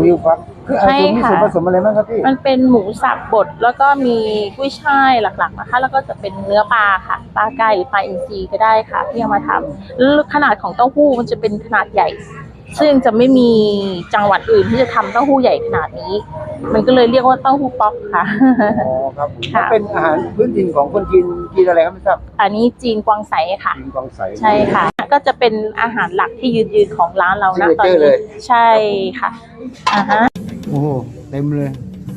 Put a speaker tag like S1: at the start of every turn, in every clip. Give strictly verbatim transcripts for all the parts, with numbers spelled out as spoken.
S1: ฮิวฟักคืออะไรมีส่วนผสมอะไรบ้างครับพี่
S2: มันเป็นหมูสับบดแล้วก็มีกุ้ยช่ายหลักๆนะคะแล้วก็จะเป็นเนื้อปลาค่ะปลาไก่หรือปลาอินทรีก็ได้ค่ะที่เอามาทำแล้วขนาดของเต้าหู้มันจะเป็นขนาดใหญ่ซึ่งจะไม่มีจังหวัดอื่นที่จะทำเต้าหู้ใหญ่ขนาดนี้มันก็เลยเรียกว่าเต้าหู้ป๊อกค่ะ
S1: อ๋อครับมันเป็นอาหารพื้นถิ่นของคนจีนจีนอะไรครับไม่ทราบ
S2: อันนี้จีนกวางไสค่ะ
S1: จีนกวางไส
S2: ใช่ค่ะก็จะเป็นอาหารหลักที่ยืนๆของร้านเรานะตอนนี้ใช่ค่ะอ่าฮะ
S1: โอ้โหเต็มเลย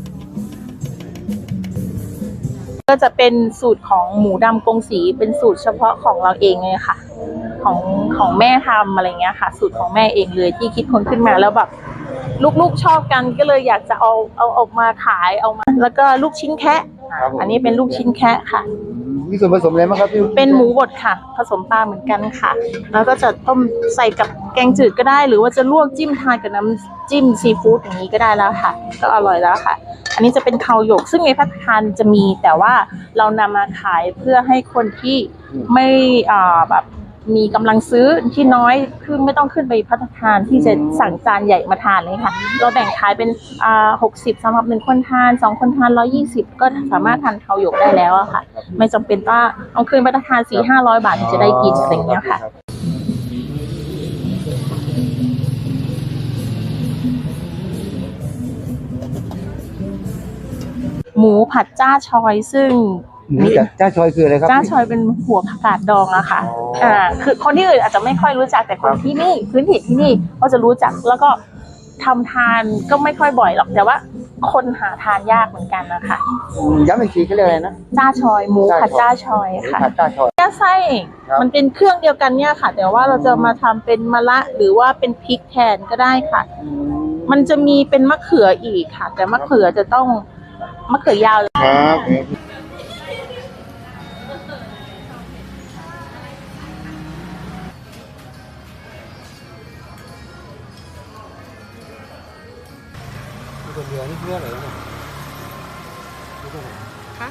S2: ก็จะเป็นสูตรของหมูดำกงสีเป็นสูตรเฉพาะของเราเองเลยค่ะของของแม่ทำอะไรเงี้ยค่ะสูตรของแม่เองเลยที่คิดค้นขึ้นมาแล้วแบบลูกๆชอบกันก็เลยอยากจะเอาเอาออกมาขายเอามาแล้วก็ลูกชิ้นแคะอันนี้เป็นลูกชิ้นแคะค่ะ
S1: มีส่วนผสมอะไรบ้างครับพี่
S2: เป็นหมูบดค่ะผสมปลาเหมือนกันค่ะแล้วก็จะต้มใส่กับแกงจืดก็ได้หรือว่าจะลวกจิ้มทานกับน้ำจิ้มซีฟู้ดอย่างนี้ก็ได้แล้วค่ะก็อร่อยแล้วค่ะอันนี้จะเป็นข้าวหยกซึ่งในภัตตาคารจะมีแต่ว่าเรานำมาขายเพื่อให้คนที่ไม่อ่าแบบมีกำลังซื้อที่น้อยคือไม่ต้องขึ้นไปภัตตาคารที่จะสั่งจานใหญ่มาทานเลยค่ะเราแบ่งขายเป็นอ่าหกสิบสำหรับหนึ่งคนทานสองคนทานร้อยยี่สิบก็สามารถทานข้าวหยกได้แล้วอะค่ะไม่จำเป็นว่าเอาคืนภัตตาคารสี่ห้าร้อยบาทถึงจะได้กินอะไรอย่างเงี้ยค่ะหมูผัดจ้าชอยซึ่ง
S1: หมูจ้าชอยคืออะไรครับ
S2: จ้าชอยเป็นหัวผักกาดดองอะค่ะอ่าคือคนที่อื่นอาจจะไม่ค่อยรู้จักแต่คนที่นี่พื้นถิ่นที่นี่เขาจะรู้จักแล้วก็ทำทานก็ไม่ค่อยบ่อยหรอกแต่ว่าคนหาทานยากเหมือนกันนะคะ
S1: ย้ำอีกทีเขาเรียกอะไรนะ
S2: จ้าชอยหมูผัดจ้าชอยค่ะ
S1: ผัดจ้าชอย
S2: ไส้มันเป็นเครื่องเดียวกันเนี่ยค่ะแต่ว่าเราจะมาทำเป็นมะระหรือว่าเป็นพริกแทนก็ได้ค่ะมันจะมีเป็นมะเขืออีกค่ะแต่มะเขือจะต้องมะเขือยาว
S1: ครับคนเดียวนี่เพื่ออะไรเนี่ยคะ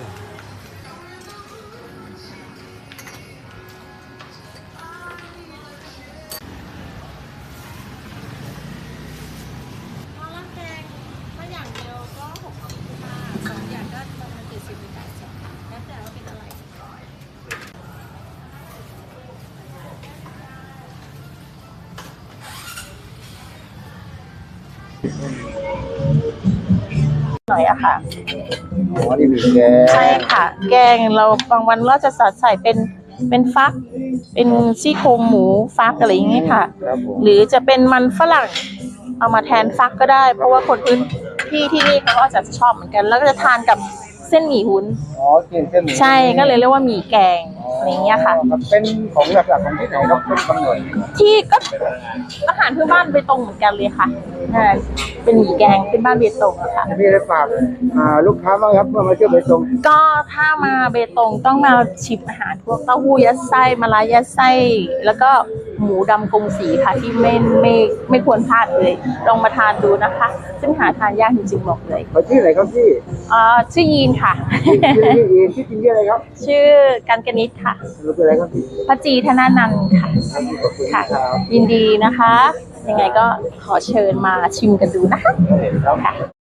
S2: หน่อยอะค่ะ
S1: อ๋อนี่มีแกง
S2: ใช่ค่ะแกงเราบางวันเราจะใส่เป็นเป็นฟักเป็นซี่โครงหมูฟักอะไรอย่างเงี้ยค่ะหรือจะเป็นมันฝรั่งเอามาแทนฟักก็ได้เพราะว่าคนพื้นที่ที่นี่เขาก็จะชอบเหมือนกันแล้วก็จะทานกับเส้นหมี่หุ้น
S1: อ๋อเส้นเส้นหมี่
S2: ใช่ก็เลยเรียกว่าหมี่แกงอะไรเงี้ยค่ะ
S1: เป็นของหลักๆของที่ไหนครับเป็นกำเนิด
S2: ที่ก็อาหารพื้นบ้านเบตงเหมือนกันเลยค่ะเป็นหมี่แกงเป็นบ้านเบตงอะค่ะ
S1: พี่ได้ฝากลูกค้าบ้างครับเมื่อมาเที่ยวเบตง
S2: ก็ถ้ามาเบตงต้องมาชิมอาหารพวกเต้าหู้ยัดไส้มะระยัดไส้แล้วก็หมูดำกงสีค่ะที่ไม่ไม่ไม่ควรพลาดเลยลองมาทานดูนะคะซึ่งหาทานยากจริงๆบอกเลย
S1: เขาชื่ออะไรครับพี่
S2: อ่าชื่อยีนค่ะ
S1: ชื่อยีนชื่อจริงชื่ออะไรครับ
S2: ชื่อกันกนิษฐ์ค่ะ
S1: รู้เป็นอะไรครับพี่
S2: พระจีธนานันท์ค่ะค่ะยินดีนะคะยังไงก็ขอเชิญมาชิมกันดูนะคะค่ะ